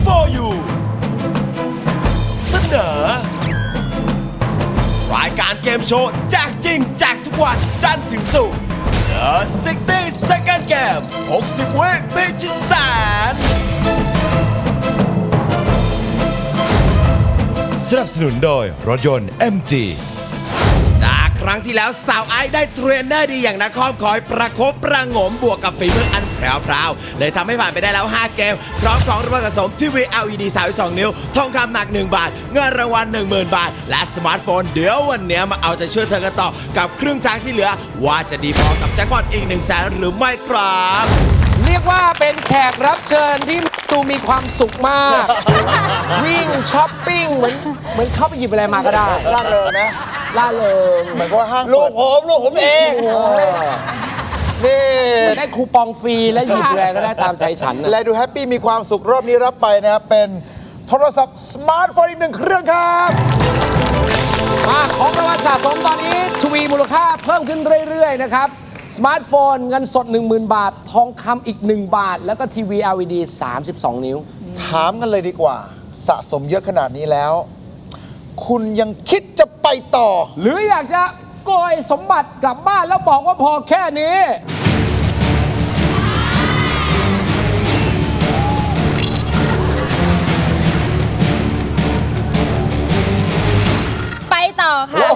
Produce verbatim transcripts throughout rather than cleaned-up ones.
for you เสนอรายการเกมโชว์แจกจริงแจกทุกวันจันทร์ถึงศุกร์ The ซิกตี้ Second Game หกสิบ วิพิชิตแสนสนับสนุนโดยรถยนต์ เอ็ม จี จากครั้งที่แล้วสาวไอซ์ได้เทรนเนอร์ดีอย่างนักคอมคอยประคบประหงมบวกกับฝีมืออันแพรวๆเลยทำให้ผ่านไปได้แล้วห้าเกมพร้อมของรางวัลสะสมทีวี แอล อี ดี สามสิบสอง นิ้วทองคำหนักหนึ่งบาทเงินรางวัล หนึ่งหมื่น บาทและสมาร์ทโฟนเดี๋ยววันนี้มาเอาใจช่วยเธอกันต่อกับครึ่งทางที่เหลือว่าจะดีพอกับแจ็คพอตอีกหนึ่งแสนหรือไม่ครับเรียกว่าเป็นแขกรับเชิญที่ตูมีความสุขมาก วิ่งช้อปปิ้งเหมือนเหมือนเข้าไปหยิบอะไรมาก็ได้ล่าเริงนะล่าเริงเหมือนว่าห้างลูกผมลูกผมเองนี่ได้คูปองฟรีและหยิบอะไรก็ได้ตามใจฉันและดูแฮปปี้มีความสุขรอบนี้รับไปนะครับเป็นโทรศัพท์สมาร์ทโฟนอีกหนึ่งเครื่องครับมาของรางวัลสะสมตอนนี้ทวีมูลค่าเพิ่มขึ้นเรื่อยๆนะครับสมาร์ทโฟนเงินสด หนึ่งหมื่น บาททองคำอีกหนึ่งบาทแล้วก็ทีวี แอล อี ดี สามสิบสอง นิ้วถามกันเลยดีกว่าสะสมเยอะขนาดนี้แล้วคุณยังคิดจะไปต่อหรืออยากจะโกยสมบัติกลับบ้านแล้วบอกว่าพอแค่นี้ไปต่อค่ะ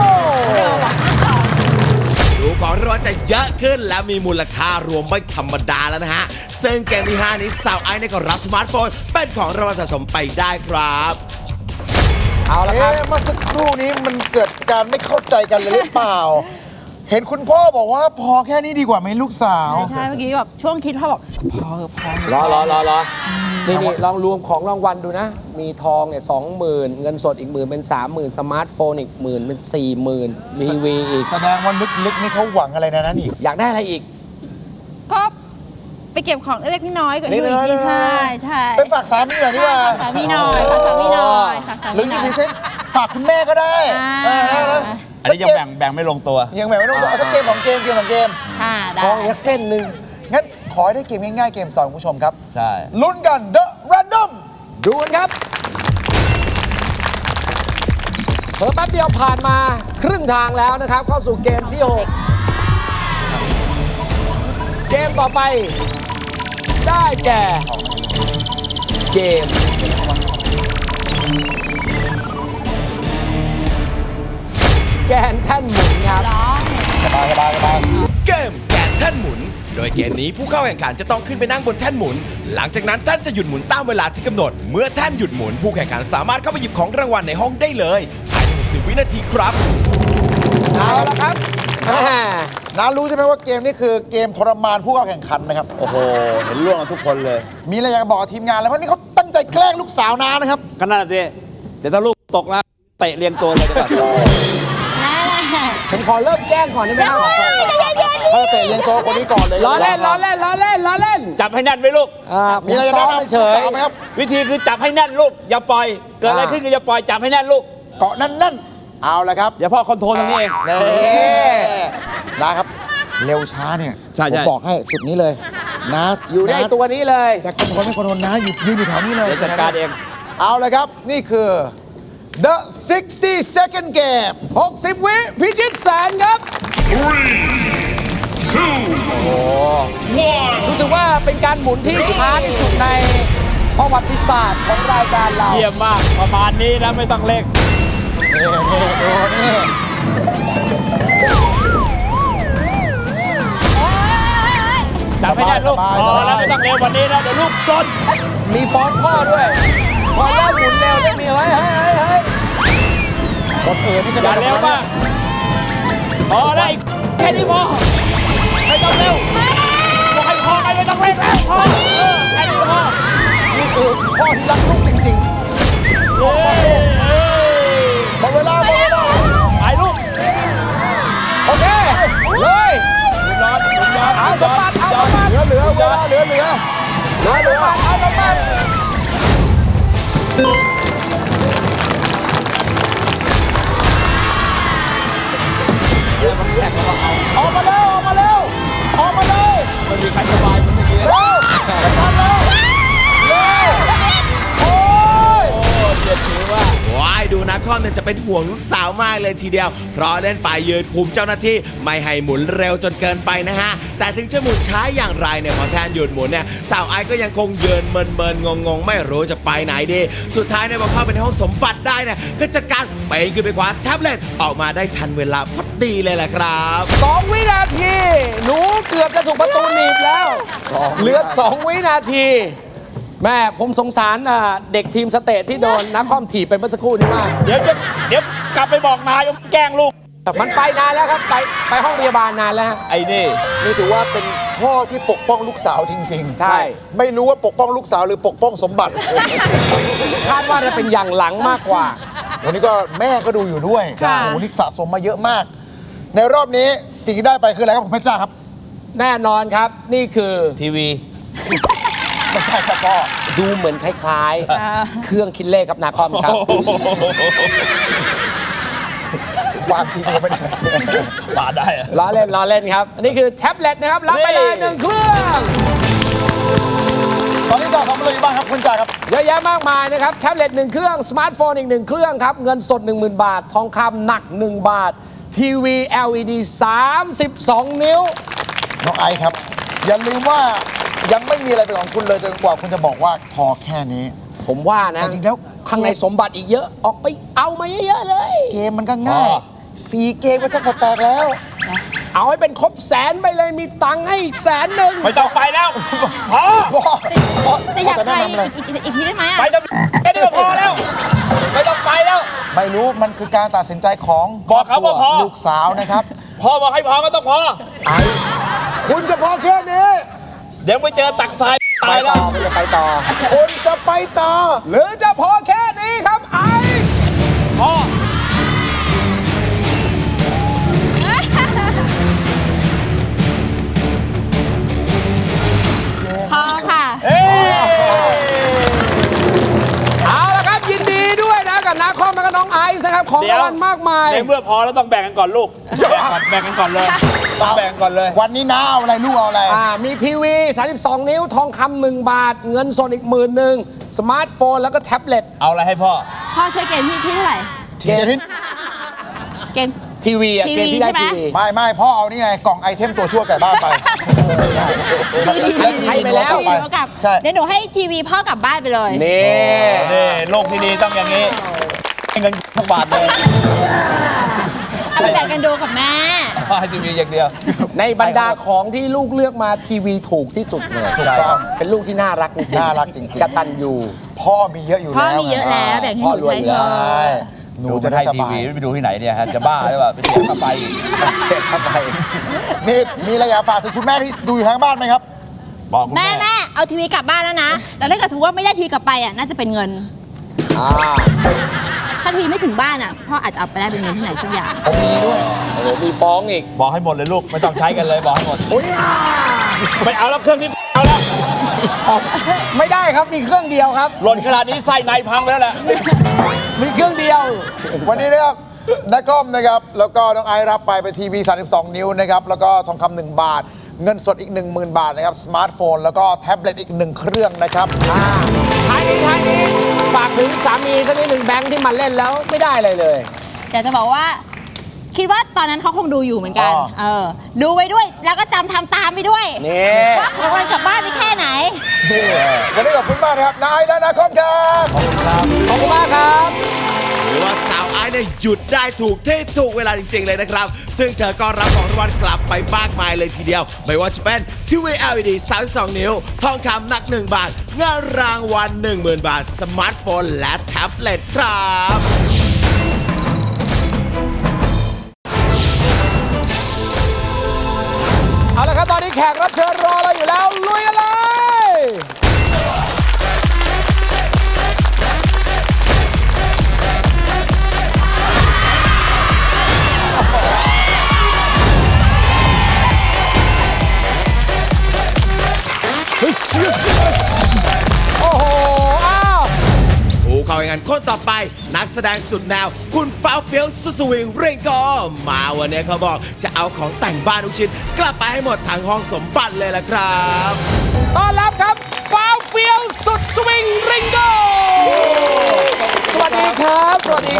ดูของรางวัลจะเยอะขึ้นแล้วมีมูลค่ารวมไม่ธรรมดาแล้วนะฮะซึ่งเกมที่ห้านี้สาวไอซ์ก็รับสมาร์ทโฟนเป็นของรางวัลสะสมไปได้ครับเอาละครับเมื่อสักครู่นี้มันเกิดการไม่เข้าใจกันเลยหรือเปล่าเห็นคุณพ่อบอกว่าพอแค่นี้ดีกว่าไหมลูกสาวใช่เมื่อกี้แบบช่วงคิดพ่อบอกพอเออพอรอรอรอรอนี่นี่ลองรวมของรางวัลดูนะมีทองเนี่ยสองหมื่นเงินสดอีกหมื่นเป็นสามหมื่นสมาร์ทโฟนอีกหมื่นเป็นสี่หมื่นทีวีอีกแสดงว่าลึกๆนี่เขาหวังอะไรนะนั่นอีกอยากได้อะไรอีกก็ไปเก็บของเล็กน้อยก่อนที่ที่ใช่ใช่ไปฝากสามีหน่อยนี่ว่าฝากสามีหน่อยฝากสามีหน่อยหรือยิ่งเช่นฝากคุณแม่ก็ได้อันนี้ยังแบ่งแบ่งไม่ลงตัวยังแบ่งไม่ลงตัวเอาเกมของเกมเกมของเกมค่ะได้ทองยักเส้นหนึ่งงั้นขอให้ได้เกมง่ายๆเกมต่อคุณผู้ชมครับใช่ลุ้นกัน The Random ดูกันครับเพิ่มแป๊บเดียวผ่านมาครึ่งทางแล้วนะครับเข้าสู่เกมที่หกเกมต่อไปได้แก่เกมแกนแท่นหมุนครับสบายสบายสบายเกมแกนแท่นหมุนโดยเกมนี้ผู้เข้าแข่งขันจะต้องขึ้นไปนั่งบนแท่นหมุนหลังจากนั้นท่านจะหยุดหมุนตามเวลาที่กำหนดเมื่อแท่นหยุดหมุนผู้แข่งขันสามารถเข้าไปหยิบของรางวัลในห้องได้เลยภายในหกสิบวินาทีครับเอาละครับน้ารู้ใช่ไหมว่าเกมนี้คือเกมทรมานผู้เข้าแข่งขันนะครับโอ้โหเห็นล่วงกันทุกคนเลยมีอะไรอยากบอกทีมงานแล้วเพราะนี่เขาตั้งใจแกล้งลูกสาวน้านะครับก็นั่นสิเดี๋ยวถ้าลูกตกนะเตะเรียงตัวเลยดีกว่าผมขอเริ่มแกล้งก่อนได้ไหมครับถ้าเตะเลี้ยงตัวคนนี้ก่อนเลยล้อเล่นล้อเล่นล้อเล่นล้อเล่นจับให้แน่นไว้ลูกมีอะไรจะแนะนำเฉยไหมครับวิธีคือจับให้แน่นลูกอย่าปล่อยเกิดอะไรขึ้นก็อย่าปล่อยจับให้แน่นลูกเกาะแน่นๆเอาละครับอย่าพ่อคอนโทรลตรงนี้เองนี่นะครับเร็วช้าเนี่ยผมบอกให้จุดนี้เลยนะอยู่ในตัวนี้เลยจะคอนโทรลไม่คอนโทรลนะหยุดยืนอยู่แถวนี้เลยจัดการเองเอาละครับนี่คือ The ซิกตี้ Second Game หกสิบ วิพิชิตแสนครับ three two โอ้รู้สึกว่าเป็นการหมุนที่ช้าที่สุดในประวัติศาสตร์ของรายการเราเยี่ยมมากประมาณนี้นะไม่ต้องเร่งนี่นี่ดูนี่จับให้แน่นลูกพอแล้วไม่ต้องเร็ววันนี้นะเดี๋ยวลูกต้นมีฟ้อนพ่อด้วยพอเริ่มหมุนเร็วจะมีเฮ้ยเฮ้ยเฮ้ยคนอื่นนี่ก็อย่าเร็วมากพอได้แค่นี้พอไม่ต้องเร็วบอกให้พอกันไม่ต้องเร่งแล้วพอแค่นี้พอนี่คือพ่อที่รักลูกจริงๆหมดเวลาหมดเวลาไปลูกโอเคเลยร้อนร้อนเอาสมบัติเอาสมบัติเหลือเหลือเวลาเหลือเหลือเหลือเหลือเอาสมบัติออกมาเร็วออกมาเร็วออกมาเร็วไม่มีใครสบายเหมือนเมื่อกี้เร็วคอมเนี่ยจะเป็นห่วงลูกสาวมากเลยทีเดียวเพราะเล่นไปยืนคุมเจ้าหน้าที่ไม่ให้หมุนเร็วจนเกินไปนะฮะแต่ถึงจะหมุนช้าอย่างไรเนี่ยพอแทนหยุดหมุนเนี่ยสาวไอซ์ก็ยังคงเยินเมินเมินงงงๆไม่รู้จะไปไหนดีสุดท้ายเนี่ยพอเข้าไปในห้องสมบัติได้เนี่ยก็จัดการไปขึ้นไปคว้าแท็บเล็ตออกมาได้ทันเวลาพอดีเลยแหละครับสองวินาที หนูเกือบจะถูกประตูหนีบแล้ว เหลือสองวินาที แม่ผมสงสารอ่ะเด็กทีมสเตทที่โดนนักคอมถีบไปเมื่อสักครู่นี้มากเดี๋ยวจะเดี๋ยวกลับไปบอกนายว่าแกล้งลูกมันไปนานแล้วครับ ไปไปห้องพยาบาลนานแล้วฮะไอ้นี่นี่ถือว่าเป็นพ่อที่ปกป้องลูกสาวจริงๆใช่ไม่รู้ว่าปกป้องลูกสาวหรือปกป้องสมบัติคาดว่าจะเป็นอย่างหลังมากกว่าวันนี้ก็แม่ก็ดูอยู่ด้วยค่ะโอ้โหนี่สะสมมาเยอะมาก ในรอบนี้สิ่งที่ได้ไปคืออะไรครับผมเพชรจ้าครับแน่นอนครับ นี่คือทีวีไม่ใช่ครับพ่อดูเหมือนคล้ายๆ เครื่องคิดเลขครับนาคอมครับวางทิ้งลงไปไหนปาดได้อะล้อเล่นล้อเล่นครับ อันนี้คือแท็บเล็ตนะครับ รับไปเลยนี่หนึ่งเครื่องตอนนี้สะสมอะไรอยู่บ้างครับคุณจ่าครับเยอะแยะมากมายนะครับ แท็บเล็ตหนึ่งเครื่อง สมาร์ทโฟนอีกหนึ่งเครื่องครับ เงินสด หนึ่งหมื่น บาท ทองคำหนัก หนึ่ง บาท ทีวี แอล อี ดี สามสิบสอง นิ้วน้องไอซ์ครับ อย่าลืมว่ายังไม่มีอะไรเป็นของคุณเลยจนกว่าคุณจะบอกว่าพอแค่นี้ผมว่านะแต่จริงๆแล้วข้างในสมบัติอีกเยอะ ออกไปเอามาเยอะๆเลยเกมมันก็ง่ายสี่เกมก็จะพอแตกแล้วเอาให้เป็นครบแสนไปเลยมีตังค์ให้อีกแสนหนึ่งไม่ต้องไปแล้วพอพ่อพ่อแต่อยากจะไปแนะนำอะไรอีกอีกอีกทีได้ไหมอ่ะไปจะแค่นี้ก็พอแล้ว ไม่ต้องไปแล้วไม่รู้มันคือการตัดสินใจของบอกเขาว่าพอลูกสาวนะครับพอบอกให้พอก็ต้องพอไอซ์คุณจะพอแค่นี้เดี๋ยวไปเจอตักทรายไปตายแล้ต่วอไม่จะไปต่อคุณจะไปต่อหรือจะพอแค่นี้ครับไอซ์พอพอค่ะเอ้ยเอาละครับยินดีด้วยนะกับนาคอมและก็น้องไอซ์นะครับ ของรางวัลมากมายในเมื่อพอแล้วต้องแบ่งกันก่อนลูก แบ่งกันก่อนเลยต้องแบ่งก่อนเลยวันนี้น้าเอาอะไรลูกเอาอะไรอ่ามีทีวี สามสิบสอง นิ้ว ทองคำหนึ่งบาท เงินสดอีกหมื่นหนึ่งสมาร์ทโฟนแล้วก็แท็บเล็ตเอาอะไรให้พ่อพ่อใช้เกมที่ที่เท่าไหร่ทีเดียวที่เกมทีวีอะทีวีเกมที่ได้ใช่ไหมทีวีไม่ไม่พ่อเอานี่ไงกล่องไอเทมตัวชั่วไก่บ้านไปแล้วทีใช้วีไปโน้แล้ตวกลับไปทีวีกลับใช่เดี๋ยวหนูให้ทีวีพ่อกลับบ้านไปเลยนี่นี่โลกที่ดีต้องอย่างนี้ให้เงินทุกบาทเลยเอาไปแบ่งกันดูกับแม่ให้ทีวีอย่างเดียวในบรรดาของที่ลูกเลือกมาทีวีถูกที่สุดเลยถูกต้องเป็นลูกที่น่ารักจริงๆน่ารักจริงๆกตัญญูพ่อมีเยอะอยู่พ่อแล้วมีเยอะแล้วแบ่งให้หนูใช้เถพ่อรวยอยู่แล้วใช่อะหนูดูจะจะได้ให้สทีบายวีไปดูที่ไหนเนี่ยฮะจะบ้าหรือเปล่าไปเสียค่าไฟอีกเสียเข้าไปนี่มีอะไรอยากฝากถึงคุณแม่ที่ดูอยู่ทางบ้านไหมครับบอกคุณแม่แม่แม่เอาทีวีกลับบ้านแล้วนะ แต่ถ้าเกิดสมมติว่าไม่ได้ทีวีกลับไปอ่ะน่าจะเป็นเงินอ่าถ้าทีวีไม่ถึงบ้านอ่ะพ่ออาจจะเอาไปได้เป็นเงินที่ไหนสักอย่างผมมีด้วยโอ้โหมีฟ้องอีกบอกให้หมดเลยลูก ไม่ต้องใช้กันเลยบอกให้หมดไม่เอาแล้วเครื่องนี้เอาแล้วไม่ได้ครับมีเครื่องเดียวครับหล่นขนาดนี้ไส้ในพังแล้วแหละมีเครื่องเดียววันนี้นะครับนักคอมนะครับ แล้วก็น้องไอซ์รับไปเป็นทีวี สามสิบสอง นิ้วนะครับ แล้วก็ทองคำหนึ่งบาท เงินสดอีก หนึ่งหมื่น บาทนะครับ สมาร์ทโฟน แล้วก็แท็บเล็ตอีกหนึ่งเครื่องนะครับท้ายนี้ท้ายนี้ฝากถึงสามีสักนิดหนึ่งแบงค์ที่มาเล่นแล้วไม่ได้อะไรเลยอยากจะบอกว่า คิดว่าตอนนั้นเขาคงดูอยู่เหมือนกันอ๋อเออ ดูไว้ด้วย แล้วก็จำทำตามไปด้วยนี่ว่าของวันกลับบ้านไปแค่ไหนวันนี้ขอบคุณมากนะครับนายและนักคอมครับขอบคุณมากครับหรือว่าสาวไอซ์เนี่ยหยุดได้ถูกที่ถูกเวลาจริง ๆ เลยนะครับ ซึ่งเธอก็รับของรางวัลกลับไปมากมายเลยทีเดียว ไม่ว่าจะเป็นทีวี แอล อี ดี สามสิบสอง นิ้ว ทองคำหนัก หนึ่ง บาท เงินรางวัล หนึ่งหมื่น บาท สมาร์ทโฟน และแท็บเล็ตครับเอาละครับ ตอนนี้แขกรับเชิญรอเราอยู่แล้ว ลุยกันเลย โอ้โห อ้าวผู้เข้าแข่งขันคนต่อไป นักแสดงสุดแนว คุณฟ้าวเฟี้ยวสุดสวิงเร่งกอมาวันนี้เขาบอกจะเอาของแต่งบ้านทุกชิ้นกลับไปให้หมดทั้งห้องสมบัติเลยล่ะครับต้อนรับครับฟ้าวเฟี้ยวสุดสวิงริงโกสวัสดีครับ สวัสดีครับสวัสดีครับ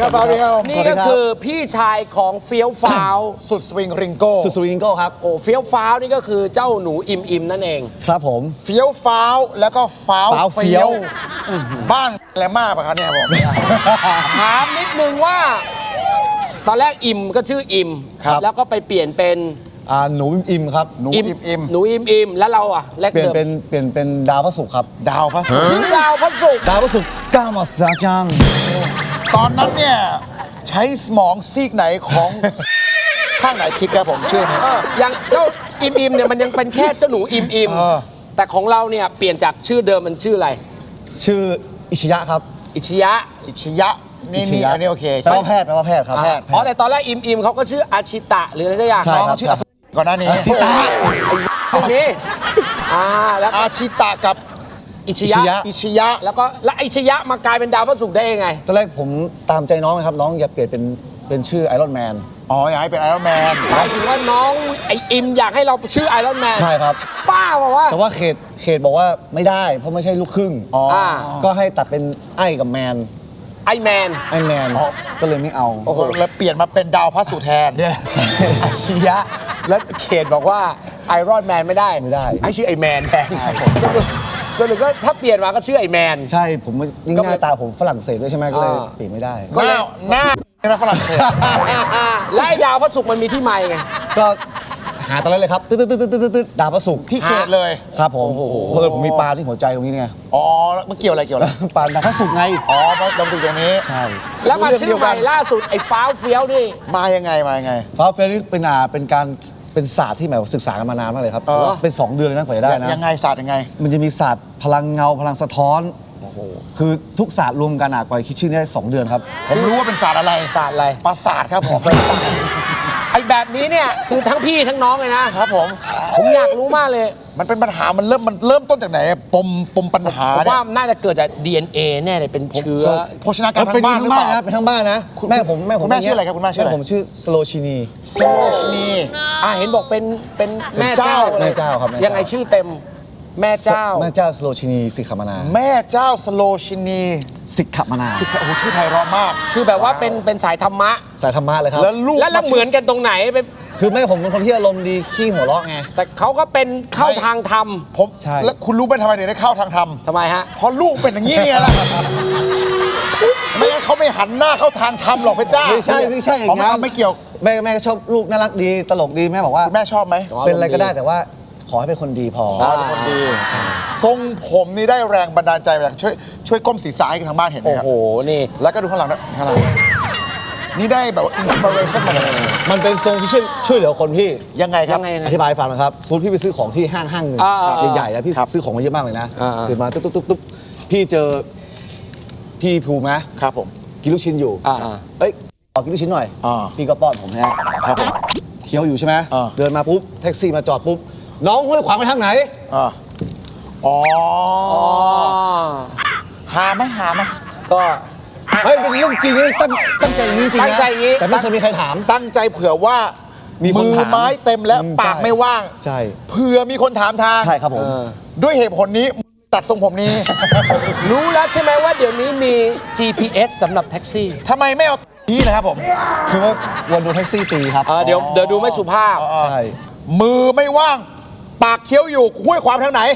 ครับสวัสดีครับนี่ก็คือพี่ชายของเฟี้ยวฟ้าวสุดสวิงริงโก้สุดสวิงโก้ครับโอ้เฟี้ยวฟ้าวนี่ก็คือเจ้าหนูอิมอิมนั่นเองครับผมเฟี้ยวฟ้าวแล้วก็ฟ้าวฟ้าวเฟี้เฟี้ยยว วบ้านแกลมากปะครับเนี่ยผมถามนิดนึงว่า ตอนแรกอิมก็ชื่ออิมครับแล้วก็ไปเปลี่ยนเป็นอ่าหนูอิมครับหนูอิมอิมหนูอิมอิมแล้วเราอ่ะแรกเปลี่ยนเดิมเป็นเปลี่ยนเป็นดาวพระศุกร์ครับดาวพระศุกร์ชื่อดาวพระศุกร์ดาวพระศุกร์ก้าวมาซาจังตอนนั้นเนี่ยใช้สมองซีกไหนของ ข้างไหนคิดครับผมชื่อนี้เอออย่างเจ้าอิมอิมเนี่ยมันยังเป็นแค่เจ้าหนูอิมอิมเออแต่ของเราเนี่ยเปลี่ยนจากชื่อเดิมมันชื่ออะไรชื่ออิชยะครับอิชยะอิชยะนี่อิชนี่ยะอันนี้โอเคแปลว่าแพทย์แปลว่าแพทย์ครับแพทย์อ๋อแต่ตอนแรกอิมอิมเขาก็ชื่ออาชิตะหรืออะไรสักอย่างใช่น้องครับชื่ออาก่อนหน้านี้อาชิตะตรงนี้อ่าแล้วอาชิตะกับอิชอิยะชยะอิชยะแล้วก็แล้วอิชยะมากลายเป็นดาวพระศุกร์ได้ยังไงตอนแรกผมตามใจน้องนะครับ น้องอย่าเปลี่ยนเป็นเป็นชื่อไอรอนแมนอ๋ออยากให้เป็นไอรอนแมนหมายถึงว่าน้องไออิมอยากให้เราชื่อไอรอนแมนใช่ครับป้าบอกว่าแต่ว่าเขตเขตบอกว่าไม่ได้ เพราะไม่ใช่ลูกครึ่งอ๋ออ่าก็ให้ตัดเป็นไอ้กับแมนไอแมนไอ้แมน ก็เลยไม่เอาโอ้โหแล้วเปลี่ยนมาเป็นดาวพระศุกร์แทนเนี่ยอิชยะแล้วเขตบอกว่าไอรอนแมนไม่ได้ไม่ได้ให้ชื่อไอแมนแทนสรุปก็ถ้าเปลี่ยนมาก็ชื่อไอแมนใช่ผมยิ่งก็หน้าตาผมฝรั่งเศสด้วยใช่ไหมก็เลยอ่าเปลี่ยนไม่ได้หน้าหน้านะฝรั่งเศสและไอดาวพระศุกร์มันมีที่ไม่ไงก็หาตอนแรกเลยครับตึ๊ดตึ๊ดตึ๊ดตึ๊ดตึ๊ดตึ๊ดดาวพระศุกร์ที่เขตเลยครับผมเพิ่มผมมีปลาที่หัวใจตรงนี้ไงอ๋อแล้วมันเกี่ยวอะไรเกี่ยวอะไรปลาดาวพระศุกร์ไงอ๋อมาดำรงตรงนี้ใช่แล้วมาเรื่องชื่เดีอยวใหกัม่นล่าสุดไอ้ฟ้าวเฟี้ยวนี่มายังไงมายังไงฟ้าเฟรนนี่เป็นอ่าเป็นการเป็นศาสตร์ที่หมายว่าศึกษากันมานานมากเลยครับเออเป็นสองเดือนเลยนะกว่าจะได้นะยังไงศาสตร์ยังไงมันจะมีศาสตร์พลังเงาพลังสะท้อนคือทุกศาสตร์รวมกันอ่ะกว่าจะคิดชื่อนี้ได้สองเดือนครับผมรู้ว่าเป็นศาสตร์อะไรศาสตร์อะไรประสาทครับผมไอ้แบบนี้เนี่ยคือทั้งพี่ทั้งน้องเลยนะครับผมผมอยากรู้มากเลยมันเป็นปัญหามันเริ่มมันเริ่มต้นจากไหนปมปมปัญหาผมเนี่ว่าย น่าจะเกิดจาก ดี เอ็น เอ แน่เลยเป็นเชื้อโภชนาการเป็นทางบ้านหรือเปล่านะเป็นทั้งบ้านนะคุณแม่ผมแม่ผมคุณแม่ชื่ออะไรครับคุณแม่ชื่ออะไรผมชื่อสโลชินีสโลชนีอ่าเห็นบอกเป็นเป็นแม่เป็นเจ้าเจ้าลยแม่เจ้าครับแม่เจ้ายัยังไงชื่อเต็มแม่เจ้าแม่เจ้าสโลชินีสิกขมานาแม่เจ้าสโลชินีสิกขมานาสิโอ้โหชื่อไพเราะมากคือแบบว่าเป็นเป็นสายธรรมะสายธรรมะเลยครับแล้วลูกแล้วแล้วเหมือนกันตรงไหนเป็นคือแม่ผมเป็นคนที่อารมณ์ดีขี้หัวเราะไงแต่เขาก็เป็นเข้าทางธรรมผมใช่แล้วคุณรู้ไหมทำไมถึงได้เข้าทางธรรมทำไมฮะเพราะลูกเป็นอย่างนี้เนี่ยแหละไม่งั้นเขาไม่หันหน้าเข้าทางธรรมหรอกพระเจ้าไม่ใช่ไม่ใช่อย่างอ๋อนั้นไม่เกี่ยวแม่แม่ก็ชอบลูกน่ารักดีตลกดีแม่บอกว่าคุณแม่ชอบไหมอ๋อเป็นอะไรก็ได้แต่ว่าขอให้เป็นคนดีพอขอให้เป็นคนดี ทรงผมนี่ได้แรงบันดาลใจมาจากช่วยช่วยก้มศีรษะให้ทางบ้านเห็นไหมโอ้ครับโหนี่แล้วก็ดูข้างหลังนะข้างหลังนี่ได้แบบว่าอินสปิเรชันมาจากไหนมันเป็นทรงที่ช่วยช่วยเหลือคนพี่ยังไงครับยังไงยังไงอธิบายให้ฟังนะครับสมมติพี่ไปซื้อของที่ห้างห้างหนึ่งอ่าอ่าอ่าใหญ่ๆแล้วพี่ครับซื้อของมาเยอะมากเลยนะอ่าอ่าตื่นมาตุ๊บตุ๊บตุ๊บตุ๊บพี่เจอพี่ภูมินะครับผมกินลูกชิ้นอยู่อ่าอ่าเอ้ยขอกินลูกชิ้นหน่อยอ่าพี่ก็ป้อนผมฮะครับผมเคี้ยวอยู่ใช่ไหมอ่าเดินมาปุ๊บแท็กซี่มาจอดปุ๊บน้องห้วยขวางไปทางไหนอ่าอ๋ออ๋อหาไหมหาไหมก็เฮ้ยเป็นเรื่องจริงนะตั้งตั้งใจอย่างนี้จริงตั้งนะใจอย่างนี้แต่ไม่เคยมีใครถามตั้งใจเผื่อว่ามีคนมือถามไม้เต็มแล้วอืมปากใช่ไม่ว่างใช่เผื่อมีคนถามทางใช่ครับผมเออด้วยเหตุผลนี้ตัดทรงผมนี้รู้แล้วใช่ไหมว่าเดี๋ยวนี้มี จี พี เอส สำหรับแท็กซี่ทำไมไม่เอาที่เลยครับผมคือว่าวันดูแท็กซี่ตีครับเออเดี๋ยวเดี๋ยวดูไม่สุภาพใช่มือไม่ว่าง ปากเคี้ยวอยู่ห้วยความทางไหน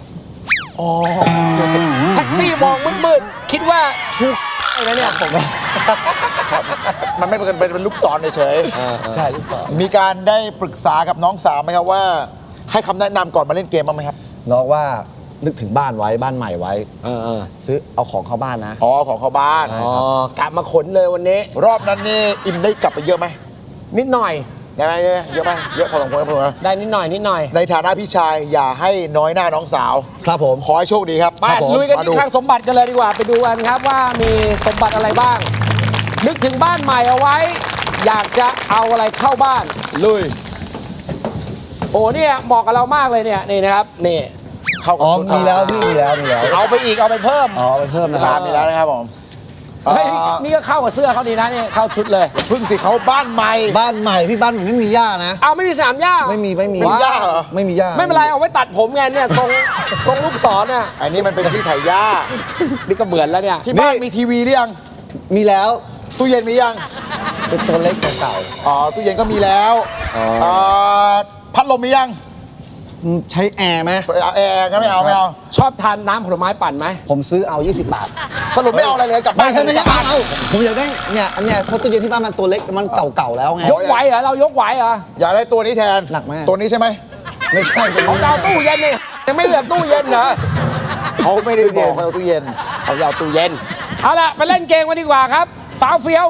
แท็กซี่มองมืดๆ คิดว่าชูอะไรนะเนี่ยผมมันไม่เป็นเป็นลูกศรเฉยใช่ลูกศรๆมีการได้ปรึกษากับน้องสาวไหมครับว่า ให้คำแนะนำก่อนมาเล่นเกมบ้างไหมครับน้องว่านึกถึงบ้านไว้บ้านใหม่ไว้เออเออซื้อเอาของเข้าบ้านนะอ๋อของเขาบ้านอ๋อกลับมาขนเลยวันนี้รอบนั้นนี่อิมได้กลับไปเยอะไหมนิดหน่อยได้ไหมเยอะไหมเยอะพอสมควรพอสมควรได้นิดหน่อยนิดหน่อยในฐานะพี่ชายอย่าให้น้อยหน้าน้องสาวครับผมขอให้โชคดีครับไปครับผมลุยกันมาที่ดูคลังสมบัติกันเลยดีกว่า ไปดูกันครับว่ามีสมบัติอะไรบ้าง นึกถึงบ้านใหม่เอาไว้ อยากจะเอาอะไรเข้าบ้านลุยโอ้เนี่ยเหมาะกับเรามากเลยเนี่ยนี่นะครับนี่เข้ากับอ๋อชุดมีแล้วพี่มีแล้วมีแล้วเอาไปอีกเอาไปเพิ่มอ๋อเอาไปเพิ่มนะคตารัมบมีแล้วนะครับผมเฮ้ยเอ่อนี่ก็เข้ากับเสื้อเขาดีนะเนี่ยเข้าชุดเลยเพึ่งสิเขาบ้านใหม่บ้านใหม่พี่บ้านผมไม่มีหญ้านะเอาไม่มีสนามหญ้าไม่มีไม่มีไม่มีหญ้าเหรอไม่มีหญ้าไม่เป็นไรเอาไว้ตัดผมไงเนี่ยทรงทรงลูกศรเนี่ยอันนี้มันเป็นที่ไถหญ้านี่ก็เหมือนแล้วเนี่ยที่บ้านมีทีวีหรือยังมีแล้วตู้เย็นมียังเป็นตัวเล็กเก่าอ๋อตู้เย็นก็มีแล้วอ่าพัดลมมียังๆใช้แอร์ไหมเอาแอร์ก็ไม่เอาไม่เอาชอบทานน้ำผลไม้ปั่นไหมผมซื้อเอา ยี่สิบบาทสรุปไม่เอาอะไรเลยกลับไม่บ้านใช่ไม่ใช่เอาเอาผมอยากได้เนี่ยอันเนี้ยเพราะตู้เย็นที่บ้านมันตัวเล็กมันเก่าๆแล้วไงยกไหวเหรอเรายกไหวเหรออยากได้ตัวนี้แทนหนักไหมตัวนี้ใช่ไหมไม่ใช่เป็นของเราตู้เย็นนี่ยังไม่เหลือตู้เย็นเหรอเขาไม่ได้บอกเขาเอาตู้เย็นเขาจะเอาตู้เย็นเอาล่ะไปเล่นเกมกันดีกว่าครับฟ้าวเฟี้ยว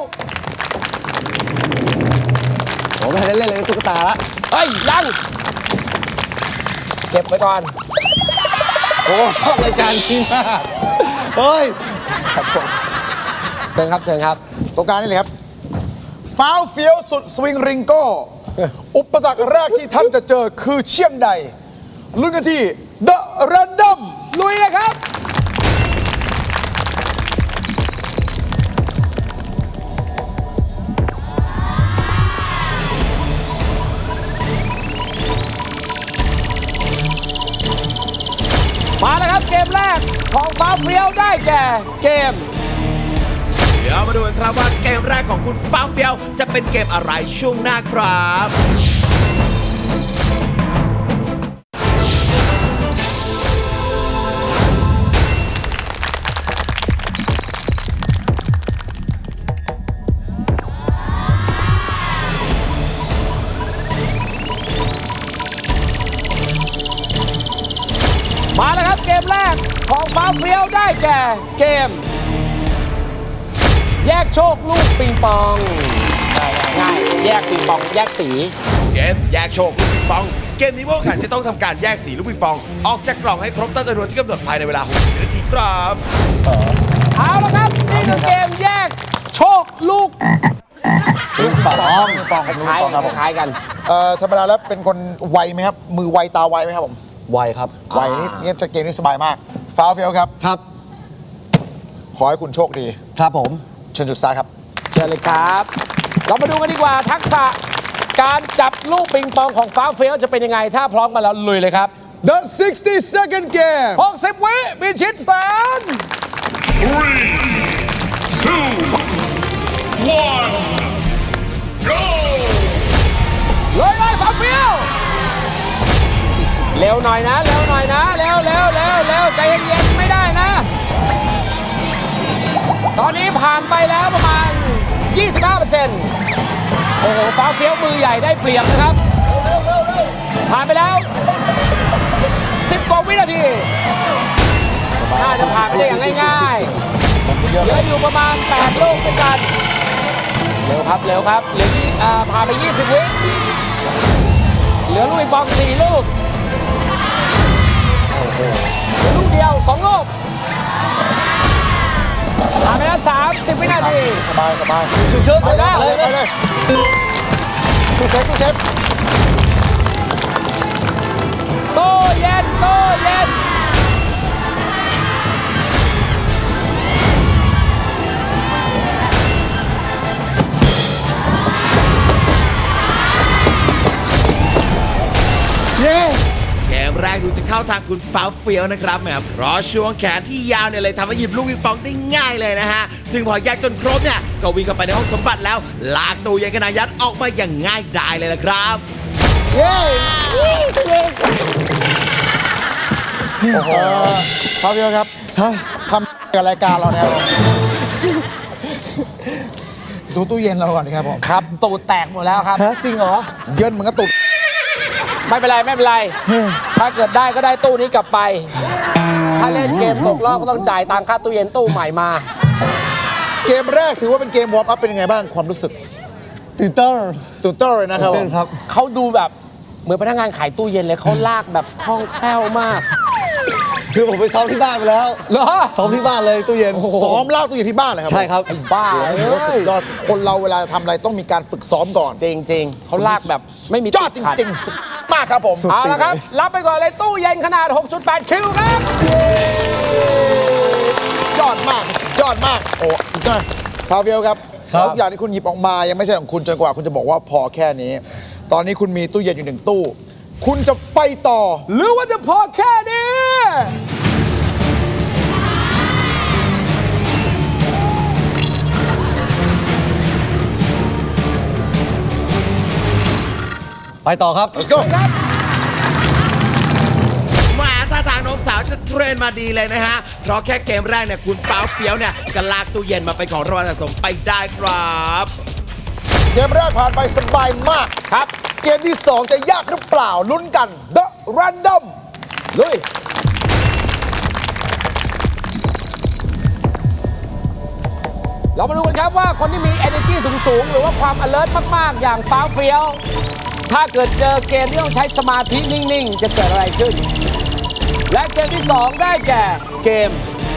ผมไม่ได้เล่นเลยตุ๊กตาละเฮ้ยยังเก็บไว้ก่อนโอ้ชอบรายการนี้มากเฮ้ยเชิญครับเชิญครับตรงกลางนี่เลยครับฟ้าวเฟี้ยวสุดสวิงริงโก้ อุปสรรคแรกที่ท่านจะเจอคือเชี่ยงใดลุ้นกันที่ The Random ลุยเลยครับมาแล้วครับเกมแรกของฟ้าเฟี้ยวได้แก่เกมเดี๋ยวมาดูกันครับว่าเกมแรกของคุณฟ้าวเฟี้ยวจะเป็นเกมอะไรช่วงหน้าครับมาแล้วครับเกมแรกของฟ้าเฟี้ยวได้แก่เกม แยกโชคลูกปิงปองง่ายๆแยกปิงปองแยกสีเกมแยกโชคลูกปิงปอง เกมนี้พวกแข่งจะต้องทำการแยกสีลูกปิงปอง ออกจากกล่องให้ครบตามจำนวนที่กำหนดภายในเวลาหกสิบนาทีครับเอาละครับนี่คือเกมแยกโชคลูกลูกปองปองครับคล้ายปองครับผมคล้ายกันเอ่อธรรมดาแล้วเป็นคนไวไหมครับ มือไวตาไวไหมครับผมไวครับไวนี่นี่เกมนี้สบายมากฟ้าวเฟี้ยวครับครับขอให้คุณโชคดีครับผมเชิญจุดสตาร์ทครับเชิญเลยครับ เรามาดูกันดีกว่าทักษะการจับลูกปิงปองของฟ้าเฟี้ยวจะเป็นยังไง ถ้าพร้อมกันแล้วลุยเลยครับ The sixty second game หกสิบวิมีชิดแสน Three, two, one, go! เลยเลยฟ้าเฟี้ยวเร็วหน่อยนะเร็วหน่อยนะเร็วเร็วเร็วเร็วใจเย็นๆไม่ได้นะ ตอนนี้ผ่านไปแล้วประมาณ ยี่สิบห้าเปอร์เซ็นต์ โอ้โหฟ้าเฟี้ยวมือใหญ่ได้เปรียบนะครับ ผ่านไปแล้ว สิบกว่าวินาที น่าจะผ่านไปได้อย่างง่ายๆ เหลืออยู่ประมาณแปดลูกด้วยกัน เร็วครับ เร็วครับ เหลือที่อ่าผ่านไป ยี่สิบ วิ เหลือลูกปิงปองสี่ลูก โอ้โหเหลือลูกเดียวสองลูก ผ่านไปแล้วสามสิบวินาทีสบายสบายชิวเชิญไปไปเลแล้วยไปเลยไปเลยตู้เซฟตู้เซฟโตเย็นโตเย็นเย้เกมแรกดูจะเข้าทางคุณฟ้าวเฟี้ยวนะครับแหมเพราะช่วงแขนที่ยาวเนี่ยเลยทำให้หยิบลูกปิงปองได้ง่ายเลยนะฮะ ซึ่งพอแยกจนครบเนี่ยก็วิ่งเข้าไปในห้องสมบัติแล้ว ลากตู้เย็นขนาดยัดออกมาอย่างง่ายดายเลยละครับเย้โอ้โหฟ้าวเฟี้ยวครับครับทำกับรายการเราเนี่ยครับผมดูตู้เย็นเราก่อนครับผมครับ ตูดแตกหมดแล้วครับฮะจริงเหรอเยินเหมือนกระตุกไม่เป็นไร ไม่เป็นไร ถ้าเกิดได้ก็ได้ตู้นี้กลับไป ถ้าเล่นเกมตกรอบก็ต้องจ่ายตังค่าตู้เย็นตู้ใหม่มาเกมแรกถือว่าเป็นเกมวอร์มอัพเป็นยังไงบ้างความรู้สึกตื่นเต้นตื่นเต้นเลยนะครับผเต้นมครับเขาดูแบบเหมือนพนักงานขายตู้เย็นเลยเขาลากแบบคล่องแคล่วมากคือผมไปซ้อมที่บ้านไปแล้วเหรอซ้อมที่บ้านเลยตู้เย็นซ้อมลากตู้เย็นที่บ้านเลยครัใช่ครับไอ้บ้าโอ้เอ้โหสุยดยอดคนเราเวลาทำอะไรต้องมีการฝึกซ้อมก่อนจริงจริงๆเขาลากแบบไม่มียอดจขัริงๆสุดมากครับผมเอาละครับ รับไปก่อนเลยตู้เย็นขนาด หกจุดแปด คิวครับยอดมากยอดมากโอ้ยอดฟาเวลครับครับทุกอย่างที่คุณหยิบออกมายังไม่ใช่ของคุณจนกว่าคุณจะบอกว่าพอแค่นี้ ตอนนี้คุณมีตู้เย็นอยู่หนึ่งตู้ คุณจะไปต่อหรือว่าจะพอแค่นี้พไปต่อครับ let's go ครับมาถ้าทางน้องสาวจะเทรนมาดีเลยนะฮะ เพราะแค่เกมแรกเนี่ยคุณฟ้าวเฟี้ยวเนี่ยก็ลากตู้เย็นมาเป็นของรางวัลสะสมไปได้ครับเกมแรกผ่านไปสบายมากครับเกมที่ สอง จะยากหรือเปล่าลุ้นกัน The Random ลุย เรามาดูกันครับว่าคนที่มี energy สูงๆ หรือว่าความ alert มาก ๆ อย่างฟ้าวเฟี้ยว ถ้าเกิดเจอเกมที่ต้องใช้สมาธินิ่ง ๆ จะเกิดอะไรขึ้น และเกมที่ สอง ได้แก่เกม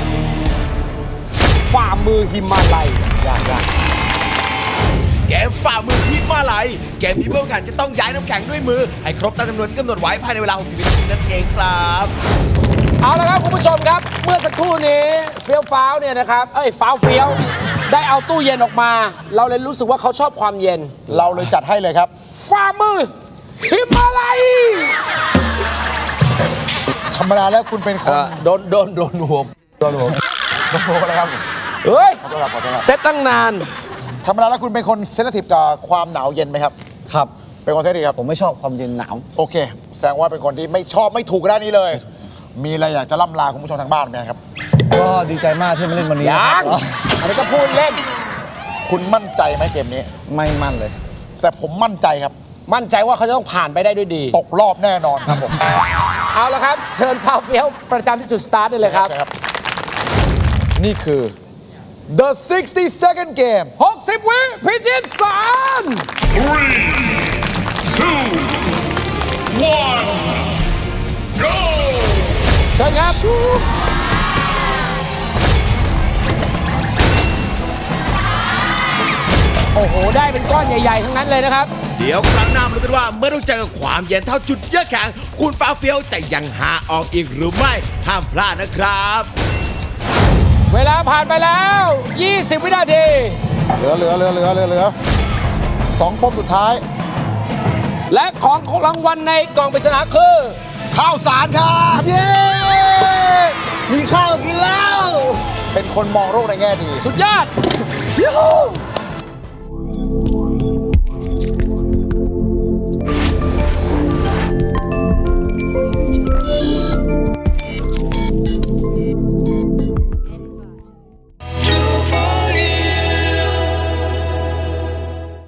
ฝ่ามือหิมาลัยยากเกมฝ่ามือฮิมาลัยเกมนี้ผู้แข่งขันจะต้องย้ายน้ำแข็งด้วยมือ ให้ครบตามจำนวนที่กำหนดไว้ภายในเวลา หกสิบ วินาทีนั่นเองครับๆ เอาละครับคุณผู้ชมครับ เมื่อสักครู่นี้เฟี้ยวฟ้าวเนี่ยนะครับ เอ้ยฟ้าวเฟี้ยว ได้เอาตู้เย็นออกมา เราเลยรู้สึกว่าเขาชอบความเย็นเราเลยจัดให้เลยครับฝ่ามือหิมาลัยธรรมดาแล้วคุณเป็นคนโดนโดนโดนหัวโดนผมโดนผมนะครับเฮ้ยขอโทษครับขอโทษครับเซตตั้งนานธรรมดาแล้วคุณเป็นคนเซนซิทีฟกับความหนาวเย็นไหมครับครับเป็นคนเซนซิทีฟครับผมไม่ชอบความเย็นหนาวโอเค แสดงว่าเป็นคนที่ไม่ชอบไม่ถูกด้านนี้เลย มีอะไรอยากจะล่ำลาคุณผู้ชมทางบ้านไหมครับก็ดีใจมากที่มาเล่นวันนี้นะยัคงรับอันนี้ก็พูดเล่นคุณมั่นใจไหมเกมนี้ไม่มั่นเลยแต่ผมมั่นใจครับมั่นใจว่าเขาจะต้องผ่านไปได้ด้วยดีตกรอบแน่นอนครับผมเอาละครับ เชิญฟาวเฟี้ยวประจำที่จุดสตาร์ทได้เลยครับใช่ครับ นี่คือ the sixty second game หกสิบ วิพิจิตรสาร Three, two, one, go! เชิญครับ โอ้โห ได้เป็นก้อนใหญ่ ๆ ทั้งนั้นเลยนะครับเดี๋ยวครั้งหน้ามาดูกันว่าเมื่อต้องเจอกับความเย็นเท่าจุดเยือกแข็งคุณฟ้าวเฟี้ยวจะยังหาออกอีกหรือไม่ห้ามพลาดนะครับเวลาผ่านไปแล้ว ยี่สิบ วินาทีเหลือเหลือเหลือเหลือเหลือเหลือสองปมสุดท้ายและของรางวัลในกล่องปริศนาคือข้าวสารครับ เย้ มีข้าวกินแล้ว เป็นคนมองโลกในแง่ดีสุดยอด